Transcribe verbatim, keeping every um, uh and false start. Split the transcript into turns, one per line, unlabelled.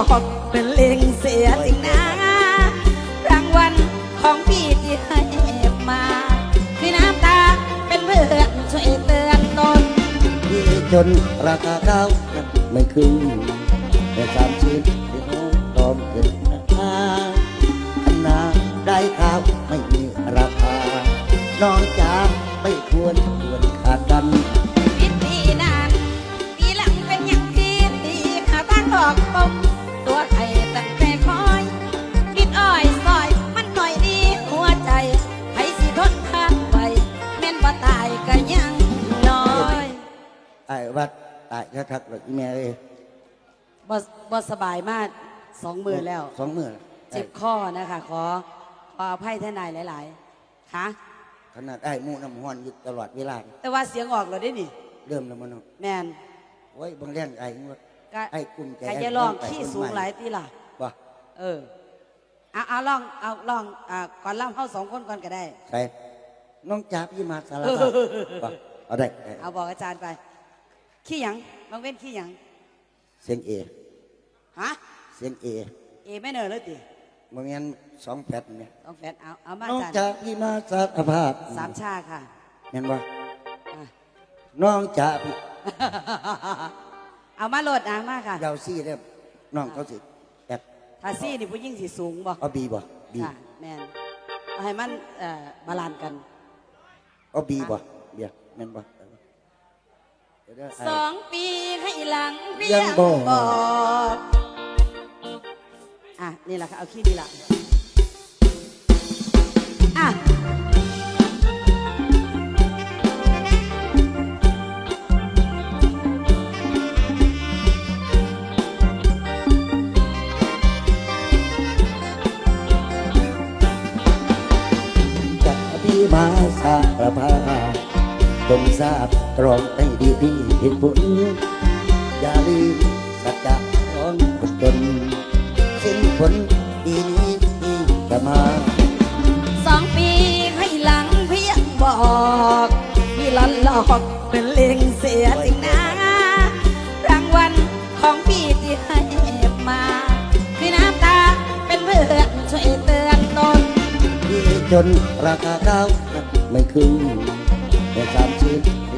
อกเป็นเล็งเสียจริงนะรางวัลของพี่ที่ให้มาคือน้ำตาเป็นเพื่อนช่วยเตือนตน
พี่จนราคาข้าวไม่ขึ้นแต่สามชิ้นที่น้องตอมเกินราคาอันนาได้ข้าวไม่มีราคาน้องจ๋าไม่ควรควรขาดกัน
ปีปีนานปีหลังเป็นอย่างพี่ดีหาทางหลอกปมตัวไข่ตั้งแต่คอยกินอ้อยซอยมันหน่อยดีหัวใจให้สิทนทานไปแม่นว่าตายก็ยังน้อย
ไอ้วัดตายชักๆเลยแม่เอ้ย
บ่บ่สบายมากสองมือแล้ว
สองมือ
เจ็บข้อนะคะขอขออภัยท่านนายหลายๆค่ะ
ขนาดไอ้มูน้ำห้อนอยู่ตลอดเวลา
แต่ว่าเสียงออกเราได้นี่
เริ่มแล้วมั้ง
แมน
โอ้ยบางเรื่องไอ้ไอ้กลุ่มแก
จะลองขี้สูงหลายตีล่ะ
บ่
เออเอาเอาลองเอาลองอ่าก่อนเล่าเข้าสองคนก่อนก็ได้
ใช่น้องจ๋าพี่มาสารภาพบ่เอาได้
เอาบอกอาจารย์ไปขี้หยังบางเว้นขี้หยัง
เสียงเอ
ฮะ
เสียงเอ
เอไม่เนอเลยติ
บางงั้นสองแฟดเนี่ย
สองแฟดเอาเอามา
น้องจ๋าพี่มาสารภาพ
สามชาค่ะ
เห็นบ่น้องจ๋าพี่
เอามาโหลดนะมาค่ะ
เดาซี่เด้น้องเขาสิแอบ
ถ้าซี่นี่ผู้ยิ่งสิสูงบ่
เอาบีบ่บี
ค่ะแมนเอาให้มันเอ่อบาลานซ์กัน
เอาบีบ่เบียแม่นบ่
สองปีให้หลังเพียงบอกอ่ะนี่แหละค่ะเอาขี้นี่แหละอ่ะ
จักพี่มาสารภาพจงทราบตรองให้ดีพี่เหตุผลอย่าลืมสัจจะของคนจนสิ้นผลดีนี้ที่จะมา
สองปีให้หลังเพียงบอกพี่หลอนหลอกเป็นเล็งเสียจริงนะรางวัลของพี่ที่ให้มาคือน้ำตาเป็นเพื่อนช่วยเตือนตน
พี่จนราคาข้าวไม่ขึ้นแต่สามชิ้น